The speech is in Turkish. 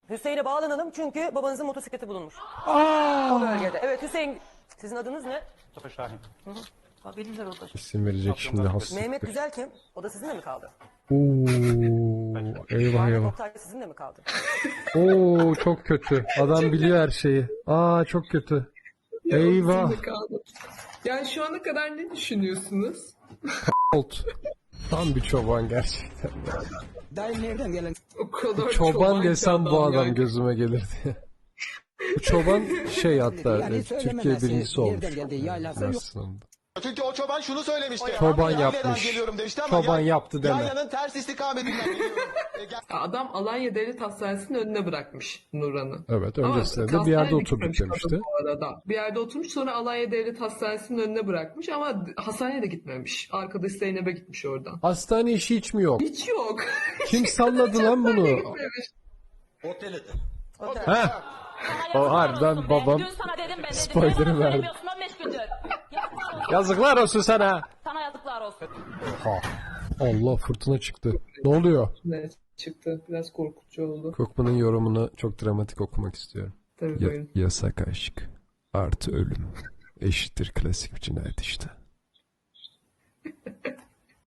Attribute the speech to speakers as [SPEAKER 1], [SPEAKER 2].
[SPEAKER 1] Hüseyin'e bağlanalım çünkü babanızın motosikleti bulunmuş. O bölgede. Evet Hüseyin, sizin adınız ne?
[SPEAKER 2] Mustafa Şahin.
[SPEAKER 1] Ha, bildiler orada.
[SPEAKER 3] İsim verecek şimdi
[SPEAKER 1] Mehmet
[SPEAKER 3] hasrettir.
[SPEAKER 1] Güzel kim? O da sizinle mi kaldı?
[SPEAKER 3] Oo, eyvah
[SPEAKER 1] Ahmet
[SPEAKER 3] eyvah.
[SPEAKER 1] Oktay sizinle mi kaldı?
[SPEAKER 3] Oo, çok kötü. Adam biliyor her şeyi. Aa, çok kötü. Eyvah.
[SPEAKER 4] Yani şu ana kadar ne düşünüyorsunuz?
[SPEAKER 3] Old. Tam bir çoban gerçekten.
[SPEAKER 4] O kadar
[SPEAKER 3] Çoban
[SPEAKER 4] ki
[SPEAKER 3] desem bu adam
[SPEAKER 4] yani.
[SPEAKER 3] gözüme gelirdi. Bu çoban hatta Türkiye birincisi olmuş. Aslında.
[SPEAKER 5] Çünkü o çoban şunu söylemişti.
[SPEAKER 3] Çoban
[SPEAKER 5] Yayla'dan
[SPEAKER 3] yapmış.
[SPEAKER 5] geliyorum demişti ama
[SPEAKER 3] Çoban yaptı deme.
[SPEAKER 5] Yaylanın ters istikametinden geliyorum.
[SPEAKER 4] Adam Alanya Devlet Hastanesi'nin önüne bırakmış Nuran'ı.
[SPEAKER 3] Evet,
[SPEAKER 4] Ama
[SPEAKER 3] öncesinde de bir yerde
[SPEAKER 4] hastaneye
[SPEAKER 3] oturduk
[SPEAKER 4] gitmemiş
[SPEAKER 3] demişti.
[SPEAKER 4] kadın bu arada. Bir yerde oturmuş, sonra Alanya Devlet Hastanesi'nin önüne bırakmış ama hastaneye de gitmemiş. Arkadaş Zeynep'e gitmiş oradan.
[SPEAKER 3] Hastane işi hiç mi yok?
[SPEAKER 4] Hiç yok.
[SPEAKER 3] Kim salladı lan bunu?
[SPEAKER 4] Gitmemiş.
[SPEAKER 3] Heh. O harbiden babam
[SPEAKER 6] Dün sana dedim ben dedim.
[SPEAKER 3] spoiler'ı
[SPEAKER 6] Niye bana
[SPEAKER 3] verdi.
[SPEAKER 6] söylemiyorsun 15 gündür? Yazıklar olsun.
[SPEAKER 3] Yazıklar olsun sana.
[SPEAKER 6] Sana yazıklar olsun.
[SPEAKER 3] Ha. Allah, fırtına çıktı. Ne oluyor?
[SPEAKER 4] Ne çıktı? Biraz korkutucu oldu.
[SPEAKER 3] Kokman'ın yorumunu çok dramatik okumak istiyorum.
[SPEAKER 4] Tabii buyurun.
[SPEAKER 3] Yasak aşk artı ölüm eşittir klasik bir cinayet işte.